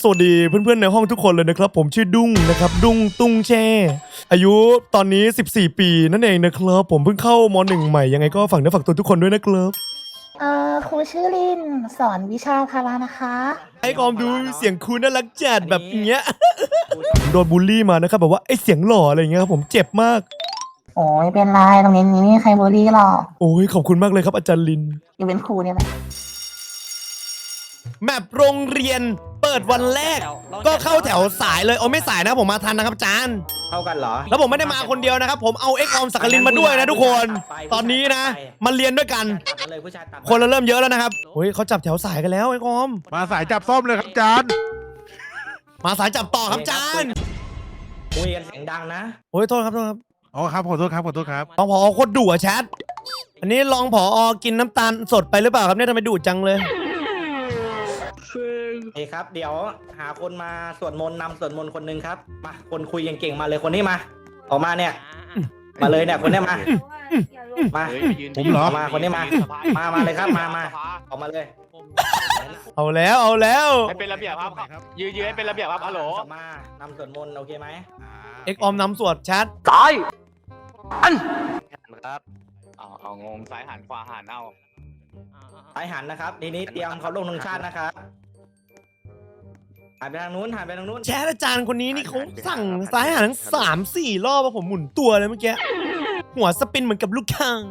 สวัสดีเพื่อนๆในห้องทุกคนเลยนะครับผมชื่อดุ้งนะครับดุ้งตุ้งแช่อายุตอนนี้14ปีนั่นเองนะครับผมเพิ่งเข้าม.1 ใหม่ยังไงก็ฝากเนื้อฝากตัวทุกคนด้วยนะครับครูชื่อลินสอนวิชาพารานะคะไอ้กอมดูเสียงคุณน่ารักจัดแบบเงี้ย โดนบูลลี่มานะครับแบบว่าไอ้เสียงหล่ออะไรเงี้ยครับผมเจ็บมากโอ้ยเป็นไรตรงนี้ไม่มีใครบูลลี่หรอกโอ้ยขอบคุณมากเลยครับอาจารย์ลินอยู่เป็นครูเนี่ยแหละแมปโรงเรียนเปิดวันแรกก็เข้าแถวสายเลยโอ้ไม่สายนะผมมาทันนะครับอาจารย์เท่ากันเหรอแล้วผมไม่ได้มาคนเดียวนะครับผมเอาเอ็กออมสักกลินมาด้วยนะทุกคนตอนนี้นะมาเรียนด้วยกันตัดมาเลยผู้ชายตัดมาคนเราเริ่มเยอะแล้วนะครับเฮ้ยเขาจับแถวสายกันแล้วเอ็กออมมาสายจับส้มเลยครับอาจารย์มาสายจับต่อครับอาจารย์คุยกันเสียงดังนะโอ้ยโทษครับโทษครับอ๋อครับขอโทษครับขอโทษครับรองผอโคตรดุอะแชทอันนี้รองผอกินน้ำตาลสดไปหรือเปล่าครับเนี่ยทำไมดุจังเลยเฮ้ยครับ เดี๋ยวหาคนมาสวดมนต์นำสวดมนต์คนหนึงครับ มาคนคุยเก่งๆมาเลยคนนี้มา ออกมาเนี่ย มาเลยเนี่ยคนนี้มา มาผมเหรอมาคนนี้มา มาเลยครับ มาออกมาเลยเอาแล้วเอาแล้วให้เป็นระเบียบครับยืนให้เป็นระเบียบครับฮัลโหลมานำสวดมนต์โอเคไหมเอ็กออมนำสวดแชทตายครับเอางงซ้ายหันขวาหันเอาไปหันนะครับทีนี้เตรียมเขาลงธงชาตินะครับหันไปทางนู้นหันไปทางนู้นแชทอาจารย์คนนี้นี่เขาสั่งซ้ายหันทั้ง3-4 รอบอะผมหมุนตัวเลยเมื่อกี้หัวสปินเหมือนกับลูกค้าง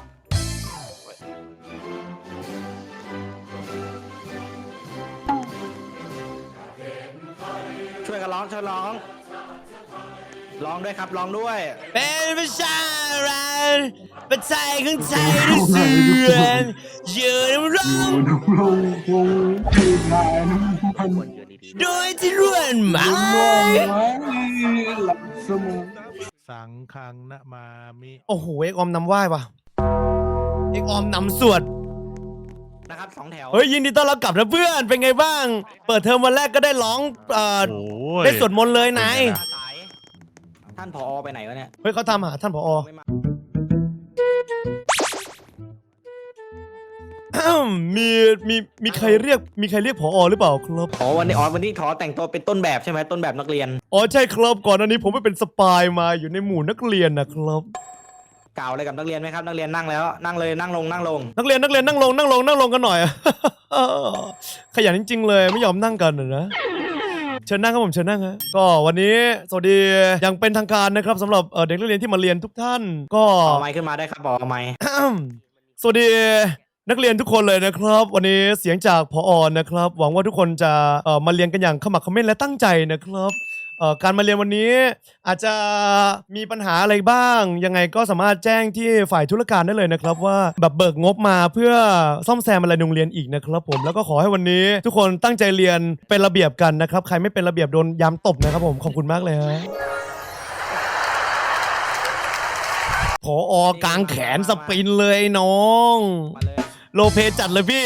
ช่วยกันร้องช่วยร้องร้องด้วยครับร้องด้วยเป็นประชารัฐประเทศของไทยที่เสื่อมยืนร้องโดยที่ร่วนหมายสังคังนะมามิโอ้โหเอกออมนำไหว้ว่ะเอกออมนำสวดนะครับสองแถวเฮ้ยยินดีต้อนรับกลับนะเพื่อนเป็นไงบ้าง เปิดเทอมวันแรกก็ได้ร้องโอ้ยได้สวดมนต์เลยนายสายท่านผอไปไหนวะเนี่ยเฮ้ยเขาทำหาท่านผอไม่มามีใครเรียกผอหรือเปล่าครับอ๋อวันนี้ถอแต่งตัวเป็นต้นแบบใช่ไหมต้นแบบนักเรียนอ๋อใช่ครับก่อนอันนี้ผมไปเป็นสปายมาอยู่ในหมู่นักเรียนนะครับกล่าวอะไรกับนักเรียนไหมครับนักเรียนนั่งแล้วนั่งเลยนั่งลงนักเรียนนั่งลงกันหน่อย ขยันจริงๆเลยไม่ยอมนั่งกันนะเชิญนั่งครับผมเชิญนั่งฮะก็วันนี้สวัสดีอย่างเป็นทางการนะครับสำหรับเด็กนักเรียนที่มาเรียนทุกท่าน ก็เอาไมค์ขึ้นมาได้ครับบอกเอาไมค์สวัสดีนักเรียนทุกคนเลยนะครับ วันนี้เสียงจากผอ.นะครับหวังว่าทุกคนจะมาเรียนกันอย่างขมักเขม้นและตั้งใจนะครับการมาเรียนวันนี้อาจจะมีปัญหาอะไรบ้างยังไงก็สามารถแจ้งที่ฝ่ายธุรการได้เลยนะครับว่าแบบเบิกงบมาเพื่อซ่อมแซมอะไรโรงเรียนอีกนะครับผมแล้วก็ขอให้วันนี้ทุกคนตั้งใจเรียนเป็นระเบียบกันนะครับใครไม่เป็นระเบียบโดนยามตบนะครับผมขอบคุณมากเลยฮะผอกางแขนสปรินเลยน้องมาเลยโลเพจัดเลยพี่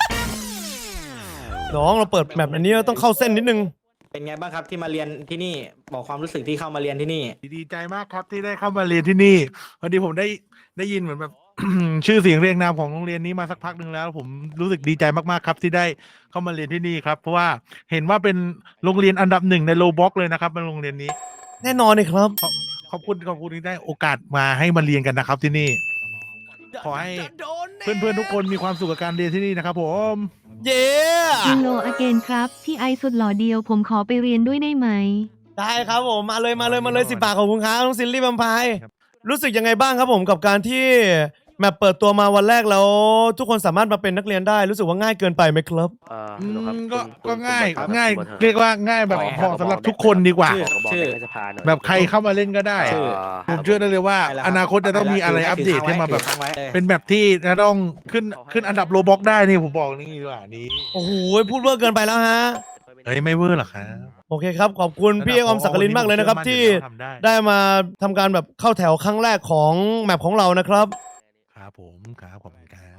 น้องเราเปิดแมปอันนี้เราต้องเข้าเส้นนิดนึงเป็นไงบ้างครับที่มาเรียนที่นี่บอกความรู้สึกที่เข้ามาเรียนที่นี่ดีใจมากครับที่ได้เข้ามาเรียนที่นี่พอดีผมได้ยินเหมือนแบบ ชื่อเสียงเรียงนามของโรงเรียนนี้มาสักพักหนึ่งแล้ว ผมรู้สึกดีใจมากๆครับที่ได้เข้ามาเรียนที่นี่ครับเพราะว่าเห็นว่าเป็นโรงเรียนอันดับ1ในโลบ็อกเลยนะครับเป็นโรงเรียนนี้แน่นอนเลยครับขอบคุณที่ได้โอกาสมาให้มาเรียนกันนะครับที่นี่ ขอให้ เพื่อนๆทุกคนมีความสุขกับการเรียนที่นี่นะครับผมเย้ฮัลโหลอเกนครับ พี่ไอสุดหล่อเดียวผมขอไปเรียนด้วยได้ไหมได้ครับผมมาเลย10 บาทของคุณครับน้องซิลลี่บัมพายรู้สึกยังไงบ้างครับผมกับการที่แมปเปิดตัวมาวันแรกแล้วทุกคนสามารถมาเป็นนักเรียนได้รู้สึกว่าง่ายเกินไปไหมครับก็ง่ายเรียกว่าง่ายแบบเหมาะสำหรับทุกคนดีกว่าชื่อแบบใครเข้ามาเล่นก็ได้ชื่อผมเชื่อได้เลยว่าอนาคตจะต้องมีอะไรอัปเดตให้มาแบบ เป็นแบบที่จะต้องขึ้นอันดับโลบ็อกได้นี่ผมบอกนี่ดีกว่านี้โอ้โหพูดเวอร์เกินไปแล้วฮะเฮ้ยไม่เวอร์หรอกครับโอเคครับขอบคุณพี่ออมศักดิ์ลินมากเลยนะครับที่ได้มาทำการแบบเข้าแถวครั้งแรกของแมปของเรานะครับครับผมครับขอบคุณครับ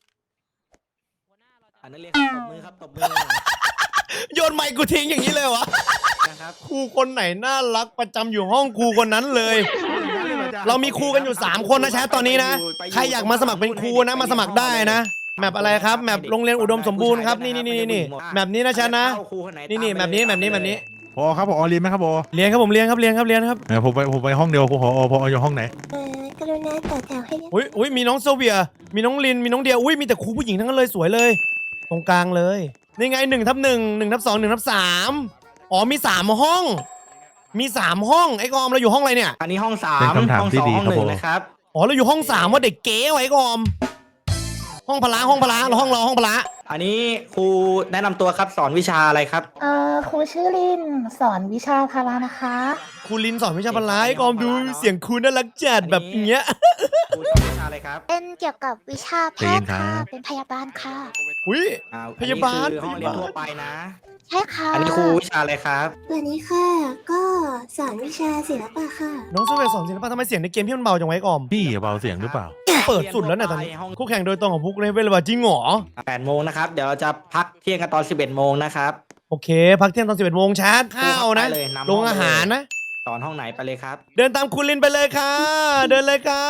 อันนั้นเรียกตบมือครับตบมือโยนไมค์กูทิ้งอย่างนี้เลยวะนะครับครูคนไหนน่ารักประจำอยู่ห้องครูคนนั้นเลย เรามีครูกันอยู่3 คนนะแชทตอนนี้นะใครอยากมาสมัครเป็นครูนะมาสมัครได้นะแมปอะไรครับแมปโรงเรียนอุดมสมบูรณ์ครับนี่แมปนี้นะชันนะนี่แมปนี้พอครับพอเรียนไหมครับพอเรียนครับผมเรียนครับผมไปห้องเดียวพออยู่ห้องไหนกรุณาต่อแถวให้เรียบอุ้ยมีน้องโซเวียมีน้องลินมีน้องเดียอุ้ยมีแต่ครูผู้หญิงทั้งนั้นเลยสวยเลย ตรงกลางเลยนี่ไง1/1 1/2 1/3อ๋อมี3ห้องไอ้กอมเราอยู่ห้องอะไรเนี่ยอันนี้ห้องเป็น 3 คำถามห้องที่ดี 2 ห้องครับผม 1นะครับอ๋อเราอยู่ห้อง3ว่าเด็กเก๋ไว้กอมห้องพละเราห้องพละอันนี้ครูแนะนำตัวครับสอนวิชาอะไรครับครูชื่อลินสอนวิชาพละนะคะครูลินสอนวิชาพละไอ้กอมดูเสียงครูน่ารักจัดแบบเงี้ยครูสอนวิชาอะไรครับเป็นเกี่ยวกับวิชาแพทย์ค่ะ เป็นพยาบาลค่ะอุ้ย พยาบาลอันนี้คือห้องเรียนทั่วไปนะใช่ค่ะอันนี้ครูวิชาอะไรครับวันนี้ค่ะ ก็สอนวิชาศิลปะค่ะน้องโซเวียสอนศิลปะทำไมเสียงในเกมพี่มันเบาจังไว้กอมพี่เบาเสียงหรือเปล่าเปิดสุดแล้วเนี่ยตอนนี้คู่แข่งโดยตรงของพุกเลยเวลาจริงเหรอ 8 โมงนะครับ เดี๋ยวเราจะพักเที่ยงกันตอน 11 โมงนะครับโอเค พักเที่ยงตอน11 โมงชาร์จข้าวนะไปเลยนำห้องลงอาหารนะสอนห้องไหนไปเลยครับเดินตามคุณลินไปเลยค่ะ เดินเลยค่ะ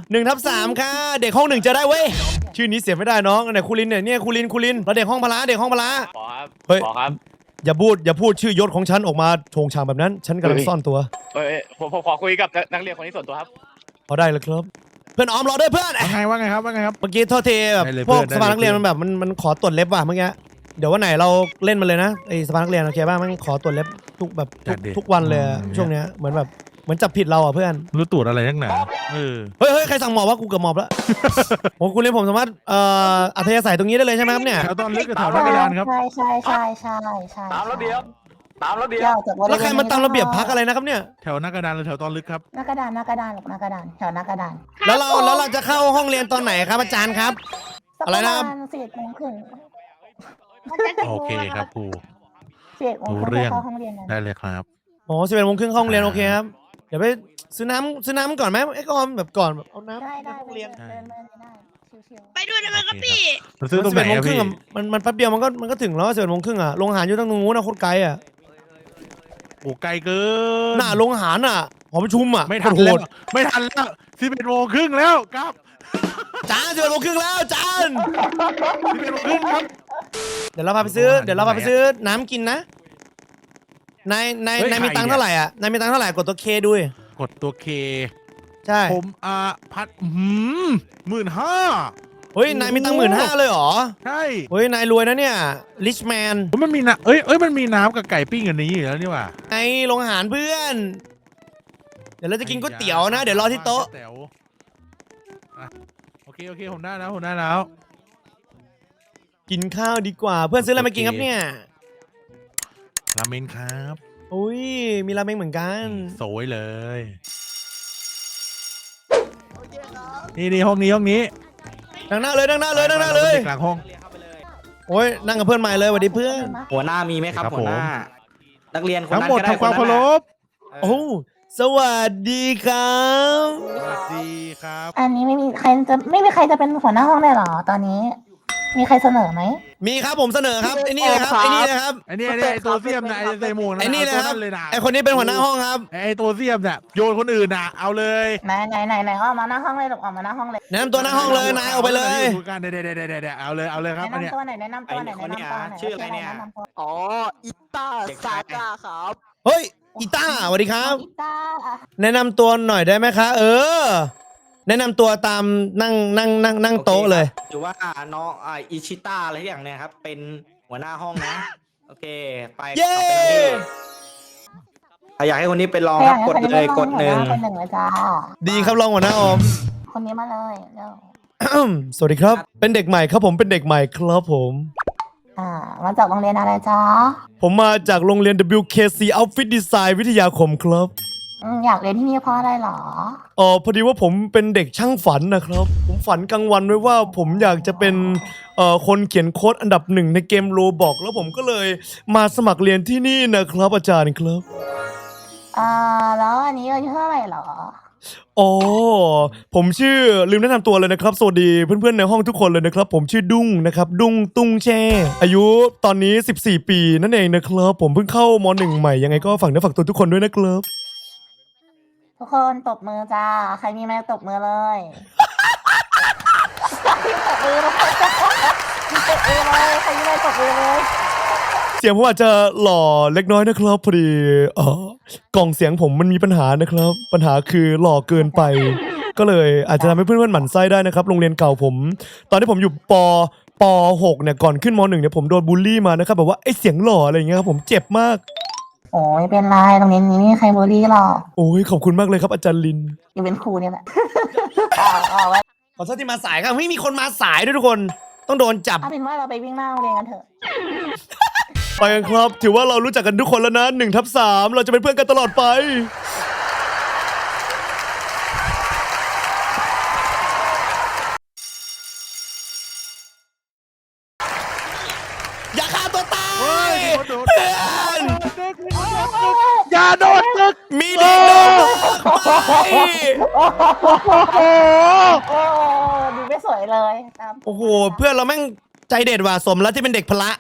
1/3ค่ะเด็กห้อง1จะได้เว้ยชื่อนี้เสียไม่ได้น้องไหนคุณลินเนี่ยคุณลินเราเด็กห้องพละขอครับเฮ้ยขอครับอย่าพูดชื่อยศของฉันออกมาโชงชางแบบนั้น ฉันกำลังซ่อนตัวผมขอคุยกับนักเรียนคนนี้ส่วนตัวครับพอได้เลยครับ เพื่อนออมรอด้วยเพื่อนว่าไงครับเมื่อกี้โทษทีแบบได้เลยพวกเพื่อนสภานักเรียนได้เลยมันแบบมันขอตรวจเล็บว่ะเมื่อกี้เดี๋ยววันไหนเราเล่นมันเลยนะไอสภานักเรียนโอเคป่ะมันขอตรวจเล็บทุกแบบทุกวันเลยอะช่วงเนี้ยเหมือนจับผิดเราอ่ะเพื่อนรู้ตรวจอะไรนักหนาเออเฮ้ยใครสั่งหมอบว่ากูเกือบหมอบแล้ว โอ้คุณเรียนผมสามารถอัธยาศัยตรงนี้ได้เลยใช่ไหมครับเนี่ยแถวตอนลึกกับแถวหน้ากระดานครับใช่ตามระเบียบ ตามระเบียบเดี๋ยวจากบริเวณแล้วใครมาตามระเบียบพักอะไรนะครับเนี่ยแถวหน้ากระดานหรือแถวตอนลึกครับหน้ากระดานหรอกหน้ากระดานแถวหน้ากระดานแล้วเราจะเข้าห้องเรียนตอนไหนครับอาจารย์ครับ อะไรนะครับสักปมาณ11 โมงครึ่งโอเคครับครู 11 โมงครึ่งรู้เรื่องเข้าห้องเรียนกันได้เลยครับอ๋อ11 โมงครึ่งเข้าห้องเรียนโอเคครับเดี๋ยวไปซื้อน้ำก่อนไหมไอ้กอมแบบก่อนแบบเอาน้ำได้ในห้องเรียนเดินได้ชิวไปด้วยได้ไหมครับพี่มันซื้อตรงไหน 11 โมงอะครึ่งพี่อะมันแป๊บเดียวมันก็ถึงแล้ว11 โมงครึ่งอะโรงอาหารอยู่ตรงนู้นนะโคตรไกลอะโอ้ไกลเกินหน้าโรงอาหารอะหอประชุมอะไม่ทันโหแล้วดไม่ทันแล้ว11 โมงครึ่งแล้วครับจาน11 โมงครึ่งแล้วจาน 11 โมงครึ่งครับเดี๋ยวเราพาไปซื้อน้ำกินนะนายมีตังค์เท่าไหร่อ่ะนายมีตังค์เท่าไหร่กดตัวเคดูดิกดตัวเคใช่ผมพัด15,000 เฮ้ยนายมีตังค์15,000เลยเหรอใช่เฮ้ยนายรวยนะเนี่ยริชแมนมันมีน้ำมันมีน้ำกับไก่ปิ้งอันนี้อยู่แล้วนี่หว่าในโรงอาหารเพื่อน เดี๋ยวเราจะกินก๋วยเตี๋ยวนะ เดี๋ยวรอที่โต๊ะอ่ะโอเคผมได้แล้วกินข้าวดีกว่าเพื่อนซื้ออะไรมากินครับเนี่ยราเมนครับอุ้ยมีราเมงเหมือนกันสวยเลย นี่ห้องนี้นั่งหน้าเลยกลางห้องโอ้ยนั่งกับเพื่อนใหม่เลยสวัสดีเพื่อนหัวหน้ามีไหมครับครับหัวหน้า นักเรียนคนทั้งนั้นหมดก็ได้ทำความเคารพโอ้สวัสดีครับสวัสดีครับๆอันนี้ไม่มีใครจะเป็นหัวหน้าห้องได้เหรอตอนนี้ มีใครเสนอไหมมีครับผมเสนอครับไอ้นี่เลยครับไอ้นี่เลยครับไอ้นี่ไอ้ตัวเสียมนะไอ้ไซโมงนะไอ้นี่เลยครับอาตัวเลยนะไอ้คนนี้เป็นหัวหน้าห้องครับไอ้ตัวเสียมน่ะโยนคนอื่นน่ะเอาเลยไหนออกมาหน้าห้องเลยลูกออกมาหน้าห้องเลยแนะนำตัวหน้าห้องเลยนายเอาไปเลยดูกันเดี๋ยวเอาเลยครับอันเนี้ยแนะนำตัวไหนชื่ออะไรเนี่ยแนะนำตัวอ๋อ อิต้าซาก้าครับเฮ้ยอีต้าสวัสดีครับกีตาร์แนะนำตัวหน่อยได้ไหมคะแนะนำตัวตามนั่งโต๊ะเลยหรือว่าน้องอิชิต้าอะไรอย่างเนี้ยครับ เป็นหัวหน้าห้องนะ โอเค ไปเย้ต่อไปนะพี่ถ้าอยากให้คนนี้เป็นรองครับกดเลยกด1 คนหนึ่งเลยจ้าดีครับรองหัวหน้าออมคนนี้มาเลยเร็วสวัสดีครับ เป็นเด็กใหม่ครับผมเป็นเด็กใหม่ครับผมมาจากโรงเรียนอะไรจ้าผมมาจากโรงเรียน WKC Outfit Design วิทยาคมครับอยากเรียนที่นี่เพราะอะไรหรอพอดีว่าผมเป็นเด็กช่างฝันนะครับ ผมฝันกลางวันไว้ว่าผมอยากจะเป็นคนเขียนโค้ดอันดับ1ในเกมโรบอกแล้วผมก็เลยมาสมัครเรียนที่นี่นะครับอาจารย์ครับแล้วอันนี้อายุเท่าไหร่หรอผมชื่อลืมแนะนำตัวเลยนะครับสวัสดีเพื่อนๆในห้องทุกคนเลยนะครับผมชื่อดุ้งนะครับดุ้งตุ้งแช่อายุตอนนี้14 ปีนั่นเองนะครับผมเพิ่งเข้าม.1 ใหม่ยังไงก็ฝากเนื้อฝากตัวทุกคนด้วยนะครับทุกคนตบมือจ้า ใครมีไม้ตบมือเลย ตบมือเลยตกเอเลยใครยิงเลยตกเอเลยเสียงผมอาจจะหล่อเล็กน้อยนะครับพอดีกล่องเสียงผมมันมีปัญหานะครับ ปัญหาคือหล่อเกินไป ก็เลยอาจจะทำให้เพื่อนๆหมั่นไส้ได้นะครับโรงเรียนเก่าผม ตอนที่ผมอยู่ป .6 เนี่ยก่อนขึ้นม .1 เนี่ยผมโดนบูลลี่มานะครับแบบว่าไอ้เสียงหล่ออะไรอย่างเงี้ยครับผมเจ็บมากโอ้ยเป็นไรตรงนี้ไม่มีใครบูลลี่หรอกโอ้ยขอบคุณมากเลยครับอาจารย์ลินอยู่เป็นครูเนี่ยแหละเอาไว้ขอโทษที่มาสายครับไม่มีคนมาสายด้วยทุกคนต้องโดนจับเอาเป็นว่าเราไปวิ่งหน้าโรงเรียนกันเถอะไปกันครับ ถือว่าเรารู้จักกันทุกคนแล้วนะ1/3เราจะเป็นเพื่อนกันตลอดไป อย่าฆ่าตัวตายเฮ้ยเพื่อนอย่าโดนตึกมีเด็กโดนไปโอ้โหโอ้ดูไม่สวยเลยตามโอ้โหเพื่อนเราแม่งใจเด็ดว่ะสมแล้วที่เป็นเด็กพละ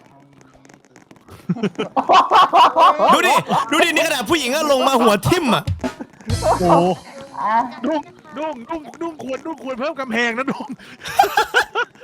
ดูดินี่ขนาดผู้หญิงก็ลงมาหัวทิ่มอ่ะโอ้โหอ่ะดุ้งขวดเพิ่มกำแพงนะดุ้ง